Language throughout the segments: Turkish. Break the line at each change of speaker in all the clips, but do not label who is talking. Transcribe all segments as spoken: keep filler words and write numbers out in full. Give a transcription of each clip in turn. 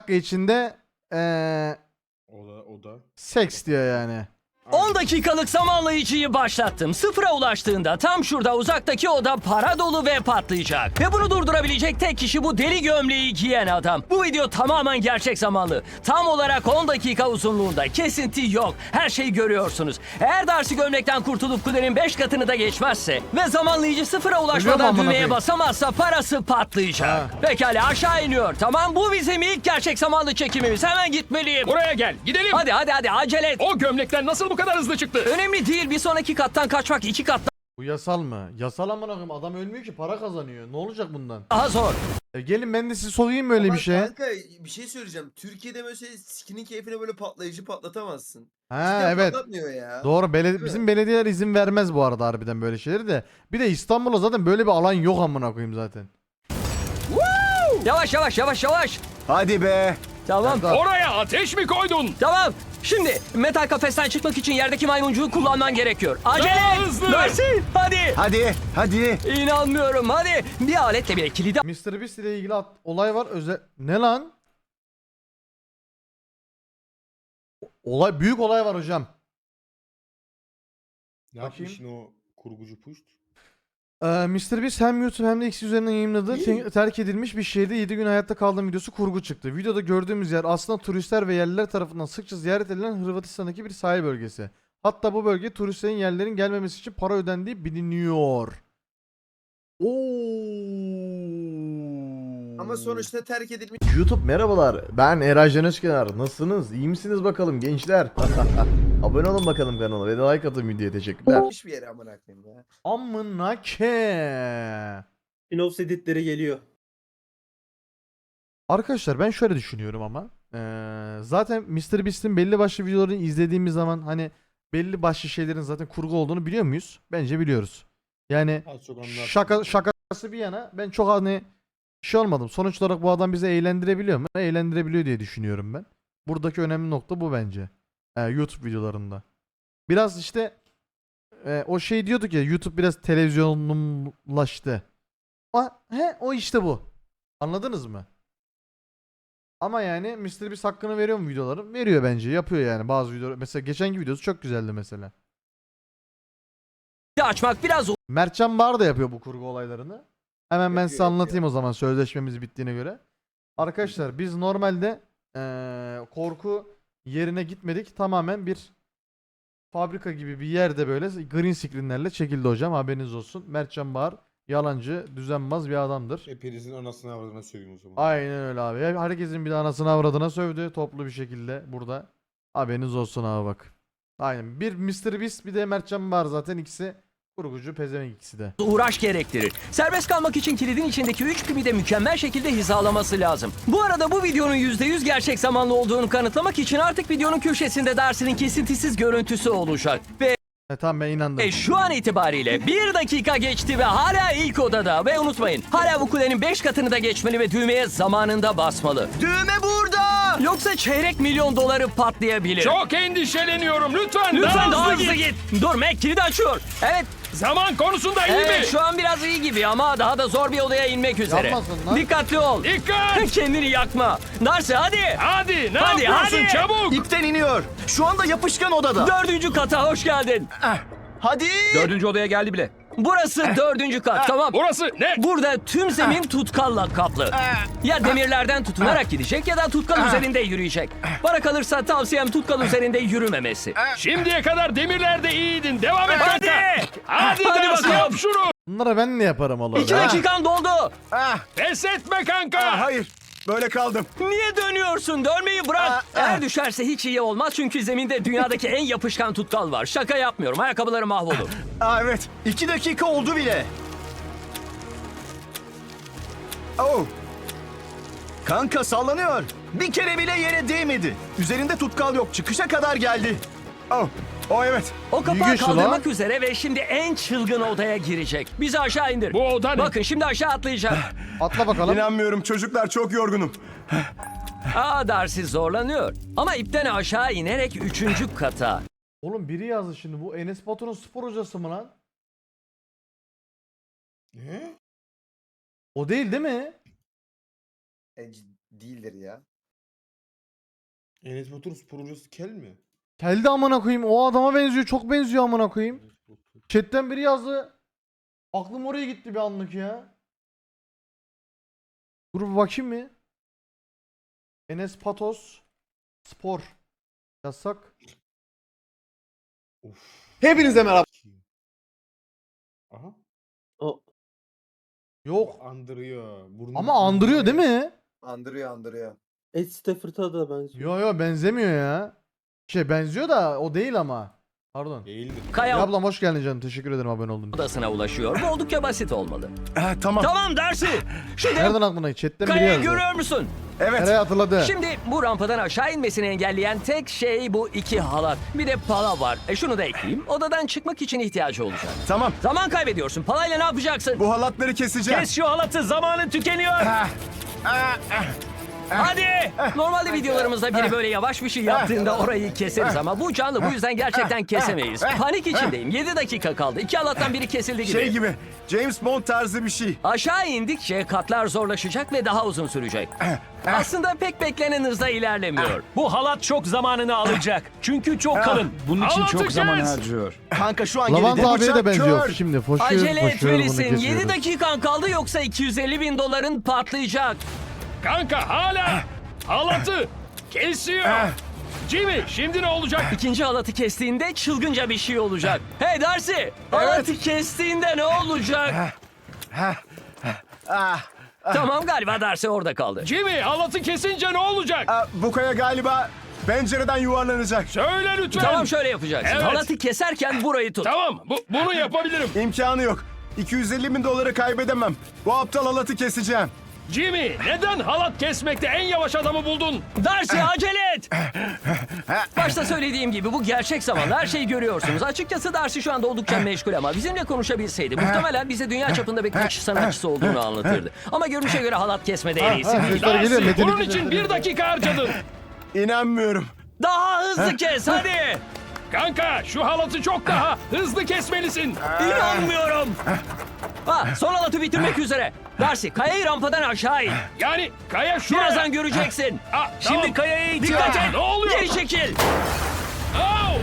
dakika içinde ee,
O da o da.
seks diyor yani.
on dakikalık zamanlayıcıyı başlattım. Sıfıra ulaştığında tam şurada uzaktaki oda para dolu ve patlayacak. Ve bunu durdurabilecek tek kişi bu deli gömleği giyen adam. Bu video tamamen gerçek zamanlı. Tam olarak on dakika uzunluğunda. Kesinti yok. Her şeyi görüyorsunuz. Eğer Darcy gömlekten kurtulup kulenin beş katını da geçmezse ve zamanlayıcı sıfıra
Ölüyor mu
ulaşmadan
amına
düğmeye
koyayım?
basamazsa parası patlayacak.
Ha.
Pekala aşağı iniyor. Tamam bu bizim ilk gerçek zamanlı çekimimiz. Hemen gitmeliyim.
Buraya gel. Gidelim.
Hadi hadi hadi acele et.
O gömlekten nasıl bu kadar hızlı çıktı?
Önemli değil, bir sonraki kattan kaçmak iki kat
Bu yasal mı? Yasal amına koyayım, adam ölmüyor ki, para kazanıyor. Ne olacak bundan?
daha zor.
E gelin ben de sizi sokayım böyle
Ama
bir şeye.
Kanka bir şey söyleyeceğim. Türkiye'de mesela skinin keyfine böyle patlayıcı patlatamazsın.
Ha
Cidden
evet.
Patlatmıyor ya.
Doğru. Bele-
mi?
bizim belediyeler izin vermez bu arada harbiden böyle şeyleri de. Bir de İstanbul'da zaten böyle bir alan yok amına koyayım zaten.
Yavaş yavaş yavaş yavaş.
Hadi be.
Tamam.
Tamam.
Oraya ateş mi koydun?
Tamam. Şimdi metal kafesten çıkmak için yerdeki maymuncuğu kullanman gerekiyor. Acele
Daha
et.
hızlı.
Darcy, hadi.
Hadi. Hadi.
İnanmıyorum hadi. Bir aletle bir kilidi
mister Beast ile ilgili at- olay var. Özel ne lan? O- Olay büyük olay var hocam.
Ne
Bakayım.
yapmışsın o kurgucu puşt?
Ee, mister Beast hem YouTube hem de X üzerinden yayınladığı te- terk edilmiş bir şehirde yedi gün hayatta kaldığım videosu kurgu çıktı. Videoda gördüğümüz yer aslında turistler ve yerliler tarafından sıkça ziyaret edilen Hırvatistan'daki bir sahil bölgesi. Hatta bu bölge turistlerin yerlerin gelmemesi için para ödendiği biliniyor. Oo.
Ama sonuçta terk edilmiş
YouTube merhabalar. Ben Eray Can Özkenar. Nasılsınız? İyi misiniz bakalım gençler? Abone olun bakalım kanala ve de like atın videoya. Teşekkürler.
bir yere amına koyayım ya.
Amına ke.
Spin-off editleri geliyor.
Arkadaşlar ben şöyle düşünüyorum ama eee, zaten mister Beast'in belli başlı videolarını izlediğimiz zaman hani belli başlı şeylerin zaten kurgu olduğunu biliyor muyuz? Bence biliyoruz. Yani
Az çok anlarsın.
şaka şakası bir yana ben çok hani şey olmadım. Sonuç olarak bu adam bizi eğlendirebiliyor mu? Eğlendirebiliyor diye düşünüyorum ben. Buradaki önemli nokta bu bence. Eee, YouTube videolarında. Biraz işte eee, o şey diyorduk ya, YouTube biraz televizyonlaştı. O, he, o işte bu. Anladınız mı? Ama yani mister Beast hakkını veriyor mu videoların? Veriyor bence. Yapıyor yani bazı videolar. Mesela geçenki videosu çok güzeldi mesela.
açmak biraz
Mertcan Bar da yapıyor bu kurgu olaylarını. Hemen ben
Yapıyor,
size anlatayım o zaman sözleşmemiz bittiğine göre. Arkadaşlar biz normalde eee, korku yerine gitmedik. Tamamen bir fabrika gibi bir yerde böyle green screenlerle çekildi hocam. Haberiniz olsun. Mertcan Bar yalancı, düzenbaz bir adamdır.
Hepinizin anasını avradına söveyim o zaman.
Aynen öyle abi. Herkesin bir de anasını avradına sövdü toplu bir şekilde burada. Haberiniz olsun abi bak. Aynen. Bir mister Beast bir de Mertcan var zaten, ikisi kurgucu pezevenk ikisi de.
uğraş gerektirir. Serbest kalmak için kilidin içindeki üç pipi de mükemmel şekilde hizalaması lazım. Bu arada bu videonun yüzde yüz gerçek zamanlı olduğunu kanıtlamak için artık videonun köşesinde Darcy'nin kesintisiz görüntüsü olacak. Ve
E tamam ben inandım.
E şu an itibariyle bir dakika geçti ve hala ilk odada. Ve unutmayın, hala bu kulenin beş katını da geçmeli ve düğmeye zamanında basmalı.
Düğme burada.
Yoksa çeyrek milyon doları patlayabilir.
Çok endişeleniyorum. Lütfen,
Lütfen daha
hızlı
hızlı
git.
git. Dur Mac kilidi açıyor. Evet,
Zaman konusunda iyi
evet
mi?
şu an biraz iyi gibi ama daha da zor bir odaya inmek üzere.
Yapmasın lan.
Dikkatli ol.
Dikkat.
Kendini yakma. Darcy hadi.
Hadi ne
Hadi,
yapıyorsun
hadi.
çabuk?
İpten iniyor. Şu anda yapışkan odada.
Dördüncü kata hoş geldin.
Hadi.
Dördüncü odaya geldi bile.
Burası dördüncü kat, tamam.
Burası ne?
Burada tüm zemin tutkalla kaplı. Ya demirlerden tutunarak gidecek ya da tutkal üzerinde yürüyecek. Bana kalırsa tavsiyem tutkal üzerinde yürümemesi.
Şimdiye kadar demirlerde iyiydin. Devam et
Hadi.
kanka. Hadi,
Hadi
Darcy,
bakalım.
yap şunu.
Bunlara ben ne yaparım Allah
İki
Allah.
dakikan doldu.
Ah,
Pes etme kanka.
ah, hayır. Böyle kaldım.
Niye dönüyorsun? Dönmeyi bırak.
Aa,
Eğer
aa.
düşerse hiç iyi olmaz çünkü zeminde dünyadaki en yapışkan tutkal var. Şaka yapmıyorum. Ayakkabıları mahvolur.
Aa, evet. İki dakika oldu bile. Oh. Kanka sallanıyor. Bir kere bile yere değmedi. Üzerinde tutkal yok. Çıkışa kadar geldi. Oh. Oh evet.
O kapağı
güçlü
kaldırmak üzere ve şimdi en çılgın odaya girecek. Bizi aşağı indir.
Bu oda ne?
Bakın şimdi aşağı atlayacak.
Atla bakalım.
İnanmıyorum çocuklar, çok yorgunum.
Aa Darcy zorlanıyor. Ama ipten aşağı inerek üçüncü kata.
Oğlum biri yazdı şimdi, bu Enes Batur'un spor hocası mı lan?
Ne?
O değil değil mi?
E, c- değildir ya.
Enes Batur spor hocası kel mi?
Geldi amına koyayım. O adama benziyor. Çok benziyor amına koyayım.
Enes Batur.
Chat'ten biri yazdı. Aklım oraya gitti bir anlık ya. Dur bir bakayım mı? Enes Patos Spor yazsak.
Of.
Hepinize merhaba.
Aha.
O
Yok.
Andırıyor. Burnu,
Ama andırıyor değil mi?
Andırıyor andırıyor.
Ed Stafford'a da benziyor.
Yo yo benzemiyor ya. Şey benziyor da o değil ama. Pardon.
Değildir.
Kaya
Ya ablam hoş geldin canım. Teşekkür ederim abone olduğun için.
odasına ulaşıyor. Bu oldukça basit olmalı.
Ha, tamam.
Tamam Darcy. Şu dev
Nereden aklına? Chat'ten biri
kayayı
yazdı.
görüyor musun?
Evet.
Nereye hatırladı?
Şimdi bu rampadan aşağı inmesini engelleyen tek şey bu iki halat. Bir de pala var. E şunu da ekleyeyim. Odadan çıkmak için ihtiyacı olacak.
Tamam.
Zaman kaybediyorsun. Palayla ne yapacaksın?
Bu halatları keseceğim.
Kes şu halatı, zamanın tükeniyor.
Hadi! Normalde videolarımızda biri böyle yavaş bir şey yaptığında orayı keseriz ama bu canlı, bu yüzden gerçekten kesemeyiz. Panik içindeyim. yedi dakika kaldı. İki halattan biri kesildi gibi.
Şey gibi. James Bond tarzı bir şey.
Aşağı indikçe katlar zorlaşacak ve daha uzun sürecek. Aslında pek beklenen hızda ilerlemiyor.
Bu halat çok zamanını alacak. Çünkü çok kalın. Bunun için çok zaman harcıyor.
Kanka şu an
Lavanta
geride.
abiye de
Bıçak
benziyor.
kör.
Şimdi foşuyor,
Acele
foşuyor, bunu
etmelisin. yedi
kesiyoruz.
dakikan kaldı yoksa iki yüz elli bin doların patlayacak.
Kanka hala halatı kesiyor. Jimmy şimdi ne olacak?
İkinci halatı kestiğinde çılgınca bir şey olacak. Hey Darcy! Halatı kestiğinde ne olacak?
Ah,
Tamam galiba Darcy orada kaldı.
Jimmy halatı kesince ne olacak?
ah, bu kaya galiba pencereden yuvarlanacak.
Söyle lütfen.
Tamam şöyle yapacaksın.
Evet.
Halatı keserken burayı tut.
Tamam, bu, bunu yapabilirim.
İmkanı yok. iki yüz elli bin doları kaybedemem. Bu aptal halatı keseceğim.
Jimmy neden halat kesmekte en yavaş adamı buldun?
Darcy acele et! Başta söylediğim gibi bu gerçek zamanda her şeyi görüyorsunuz. Açıkçası Darcy şu anda oldukça meşgul ama bizimle konuşabilseydi muhtemelen bize dünya çapında bir kaçış sanatçısı olduğunu anlatırdı. Ama görünüşe göre halat kesmede en iyisi
Ha,
değil.
sesler geliyor.
Darcy,
Metin
bunun
iki
için
sesleri.
bir dakika harcadın.
İnanmıyorum.
Daha hızlı kes hadi!
Kanka şu halatı çok daha hızlı kesmelisin.
İnanmıyorum! Ha, son halatı bitirmek üzere. Darcy kayayı rampadan aşağı in.
Yani kaya şuraya.
Birazdan göreceksin.
Aa,
Şimdi
tamam.
kayaya itiyor.
Dikkat et. Ne oluyor?
Geri çekil.
Au!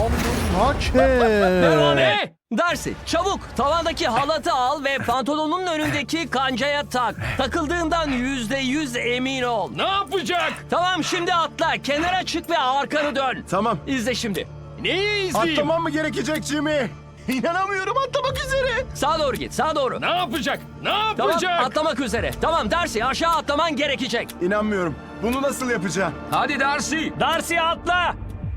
Hakem.
Ne?
Darcy çabuk tavandaki halatı al ve pantolonun önündeki kancaya tak. Takıldığından yüzde yüz emin ol.
Ne yapacak?
Tamam şimdi atla. Kenara çık ve arkanı dön.
Tamam.
İzle şimdi.
Neyi izleyeyim?
Atlamam mı gerekecek Jimmy? İnanamıyorum, atlamak üzere.
Sağa doğru git. Sağa doğru.
Ne yapacak? Ne
Tamam
yapacak?
atlamak üzere. Tamam Darcy aşağı atlaman gerekecek.
İnanmıyorum. Bunu nasıl yapacağım?
Hadi Darcy. Darcy atla.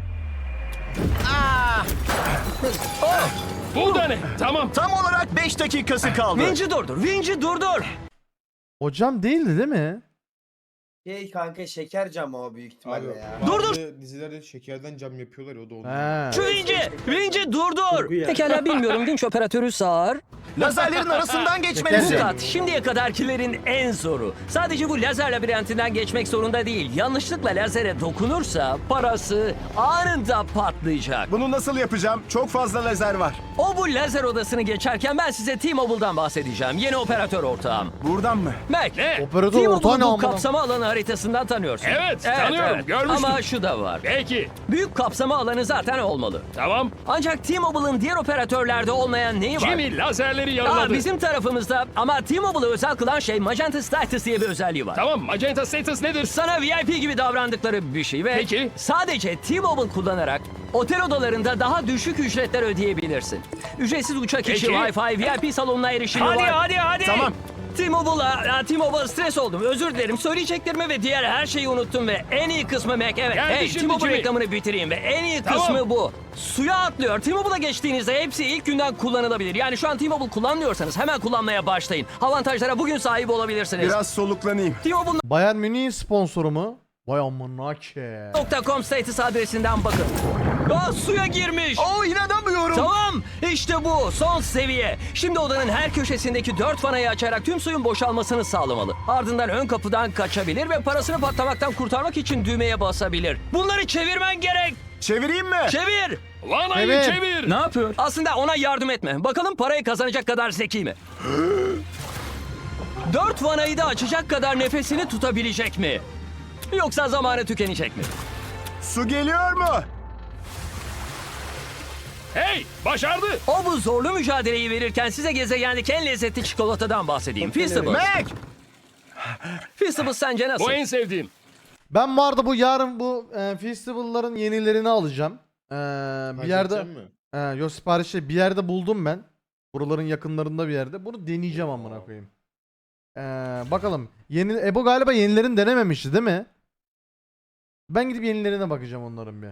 Bu da ne? Tamam.
Tam olarak beş dakikası kaldı.
Vinci durdur. Vinci durdur.
Hocam değildi değil mi?
Şey kanka şeker camı o büyük ihtimalle
Abi,
ya.
Dur,
bazı dizilerde şekerden cam yapıyorlar ya o da oldu.
He.
Şu Vinci. Vinci durdur.
Kurgu ya.
Pekala bilmiyorum. Vinç operatörü sağır.
Lazerlerin arasından
Bu
geçmelisin.
kat şimdiye kadarkilerin en zoru. Sadece bu lazer labirentinden geçmek zorunda değil. Yanlışlıkla lazere dokunursa parası anında patlayacak.
Bunu nasıl yapacağım? Çok fazla lazer var.
O bu lazer odasını geçerken ben size T-Mobile'dan bahsedeceğim. Yeni operatör ortağım.
Buradan mı?
Mac.
Ne?
Operatör ortağı ne
T-Mobile'ı bu
amına?
kapsama alanı haritasından tanıyorsun.
Evet, tanıyorum, görmüştüm.
Ama şu da var.
Peki.
Büyük kapsama alanı zaten olmalı.
Tamam.
Ancak T-Mobile'ın diğer operatörlerde olmayan neyi var?
Jimmy lazerleri
Aa,
yaraladı.
bizim tarafımızda ama T-Mobile'ı özel kılan şey Magenta Status diye bir özelliği var.
Tamam, Magenta Status nedir?
Sana V I P gibi davrandıkları bir şey ve
Peki.
sadece T-Mobile kullanarak otel odalarında daha düşük ücretler ödeyebilirsin. Ücretsiz uçak içi
Peki.
Wi-Fi, V I P salonuna erişimi
Hadi
var.
hadi hadi.
Tamam.
T-Mobile'a, T-Mobile stres oldum. Özür dilerim. Söyleyeceklerimi ve diğer her şeyi unuttum ve en iyi kısmı Mac. Evet.
Geldi
Hey,
şimdi
T-Mobile
Jimmy.
reklamını bitireyim ve en iyi
Tamam.
kısmı bu. Suya atlıyor. T-Mobile'a geçtiğinizde hepsi ilk günden kullanılabilir. Yani şu an T-Mobile kullanmıyorsanız hemen kullanmaya başlayın. Avantajlara bugün sahip olabilirsiniz.
Biraz soluklanayım.
T-Mobile
Bayern Münih sponsoru mu? Vay amına ke.
nokta com status adresinden bakın. Aa, suya girmiş.
Oo, inanamıyorum.
Tamam, işte bu son seviye. Şimdi odanın her köşesindeki dört vanayı açarak tüm suyun boşalmasını sağlamalı. Ardından ön kapıdan kaçabilir ve parasını patlamaktan kurtarmak için düğmeye basabilir. Bunları çevirmen gerek.
Çevireyim mi?
Çevir.
Vanayı
Evet.
çevir.
Ne yapıyor? Aslında ona yardım etme. Bakalım parayı kazanacak kadar zeki mi? Dört vanayı da açacak kadar nefesini tutabilecek mi? Yoksa zamanı tükenecek mi?
Su geliyor mu?
Hey, başardı.
O bu zorlu mücadeleyi verirken size gezegendeki en lezzetli çikolatadan bahsedeyim. Feastables.
Mac!
Feastables sence nasıl?
Bu en sevdiğim.
Ben bu arada bu yarın bu e, festival'ların yenilerini alacağım. E, bir yerde
Halledecek mi?
e, yo siparişi bir yerde buldum ben. Buraların yakınlarında bir yerde. Bunu deneyeceğim amına koyayım. E, bakalım. Yeni Ebo galiba yenilerini denememişti değil mi? Ben gidip yenilerine bakacağım onların bir.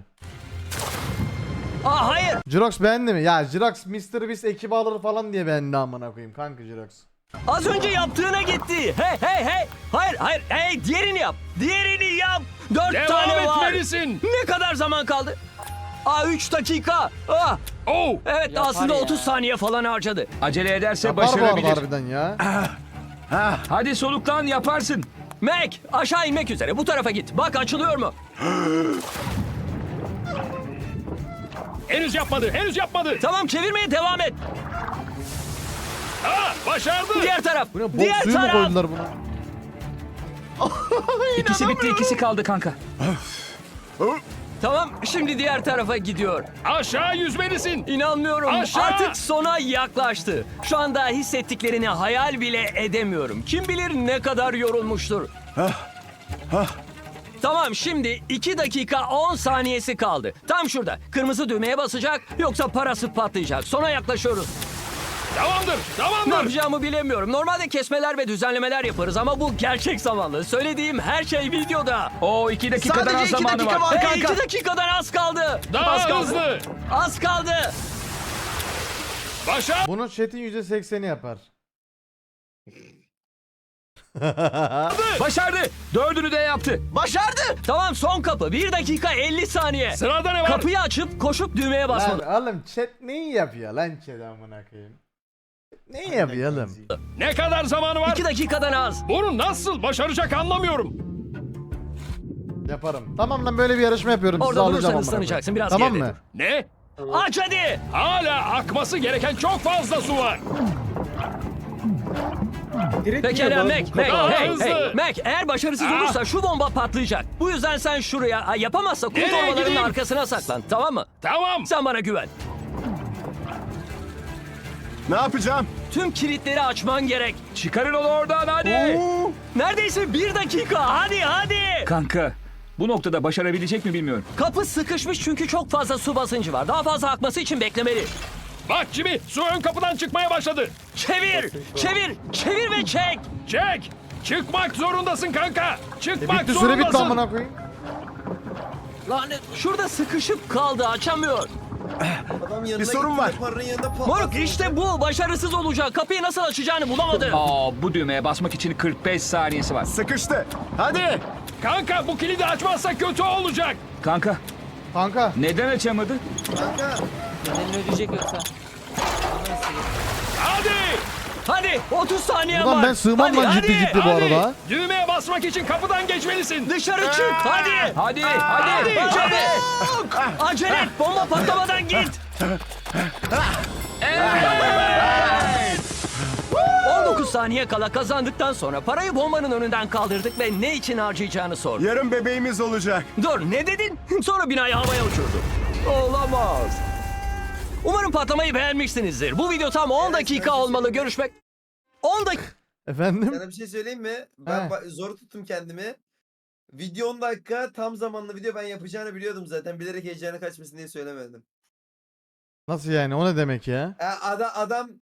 Aa hayır.
Jirox beğendi mi? Ya Jirox mister Beast ekibi alır falan diye beğendi amına koyayım kanka Jirox.
Az önce yaptığına gitti. Hey hey hey. Hayır hayır. Hey diğerini yap. Diğerini yap. Dört
Devam
tane var.
etmelisin.
Ne kadar zaman kaldı? Aa üç dakika. Ah.
Oh.
Evet aslında otuz saniye falan harcadı.
Acele ederse
Yapar bu arada
başarabilir.
harbiden ya.
Hadi soluklan, yaparsın.
Mac aşağı inmek üzere. Bu tarafa git. Bak açılıyor mu?
Henüz yapmadı, henüz yapmadı.
Tamam çevirmeye devam et.
Aa, başardı.
Diğer taraf.
Bu ne bok
Diğer
suyu mu
taraf.
koydular buna?
İkisi bitti, ikisi kaldı kanka.
Tamam şimdi diğer tarafa gidiyor.
Aşağı yüzmelisin.
İnanmıyorum.
Aşağı!
Artık sona yaklaştı. Şu anda hissettiklerini hayal bile edemiyorum. Kim bilir ne kadar yorulmuştur. Tamam şimdi iki dakika on saniyesi kaldı. Tam şurada. Kırmızı düğmeye basacak yoksa parası patlayacak. Sona yaklaşıyoruz.
Tamamdır,
Ne
tamamdır.
yapacağımı bilemiyorum. Normalde kesmeler ve düzenlemeler yaparız ama bu gerçek zamanlı. Söylediğim her şey videoda.
O iki dakikadan
Sadece
az
iki
zamanı
dakika
var.
var.
Hey,
kanka.
iki dakikadan az kaldı.
Daha
az kaldı.
hızlı.
Az kaldı.
Başar.
Bunun chat'in yüzde sekseni yapar.
Başardı. Dördünü de yaptı.
Başardı!
Tamam son kapı. bir dakika elli saniye.
Sırada ne var?
Kapıyı açıp koşup düğmeye
Lan
basmalı.
oğlum chat neyi yapıyor lan chat amına koyayım? Neyi yapıyor oğlum?
Ne kadar zamanı var?
iki dakikadan az.
Bunu nasıl başaracak anlamıyorum.
Yaparım. Tamam lan böyle bir yarışma yapıyorum. Sizi
Orada
alacağım
durursan
amına koyayım.
ıslanacaksın. Biraz
Tamam
geride
mı?
dur.
Ne?
Aç hadi.
Hala akması gereken çok fazla su var.
Direkt
Pekala
yiyor
Mac,
lan bu
Mac,
kadar.
Daha
hey,
hızlı.
hey. Mac eğer başarısız
Ah.
olursa şu bomba patlayacak. Bu yüzden sen şuraya, Ay, yapamazsa kum
Nereye
torbalarının
gideyim?
arkasına saklan. Tamam mı?
Tamam.
Sen bana güven.
Ne yapacağım?
Tüm kilitleri açman gerek.
Çıkarın onu oradan hadi.
Oo.
Neredeyse bir dakika. Hadi hadi.
Kanka, bu noktada başarabilecek mi bilmiyorum.
Kapı sıkışmış çünkü çok fazla su basıncı var. Daha fazla akması için beklemeli.
Bak Jimmy, su ön kapıdan çıkmaya başladı.
Çevir, çevir, çevir ve çek.
Çek. Çıkmak zorundasın kanka.
E
Çıkmak
bitti süre
zorundasın.
bitti amına koyayım.
Lanet. Şurada sıkışıp kaldı, açamıyor.
Adam yanına
sorun
gitti
var.
de Paranın yanında patladı.
Moruk işte bu. Başarısız olacak. Kapıyı nasıl açacağını bulamadı.
Aa, bu düğmeye basmak için kırk beş saniyesi var.
Sıkıştı. Hadi!
Kanka bu kilidi açmazsa kötü olacak. Kanka,
Kanka.
neden açamadı?
Kanka.
Hadi.
Hadi otuz saniye
Buradan
var.
ben sığmam
Hadi,
lan ciddi
hadi.
ciddi bu
Hadi.
arada.
Düğmeye basmak için kapıdan geçmelisin.
Dışarı çık hadi.
Hadi, hadi,
Hadi.
hadi.
Acele et. Bomba patlamadan git. on dokuz saniye kala kazandıktan sonra parayı bombanın önünden kaldırdık ve ne için harcayacağını sordu.
Yarın bebeğimiz olacak.
Dur ne dedin? Sonra binayı havaya uçurdu. Olamaz. Umarım patlamayı beğenmişsinizdir. Bu video tam on
Evet,
dakika
evet.
olmalı. Görüşmek. on dakika.
Efendim?
Sana bir şey söyleyeyim mi? Ben
He.
ba- zor tuttum kendimi. Video on dakika tam zamanlı video ben yapacağını biliyordum zaten. Bilerek heyecanı kaçmasın diye söylemedim.
Nasıl yani? O ne demek ya?
E, adam, adam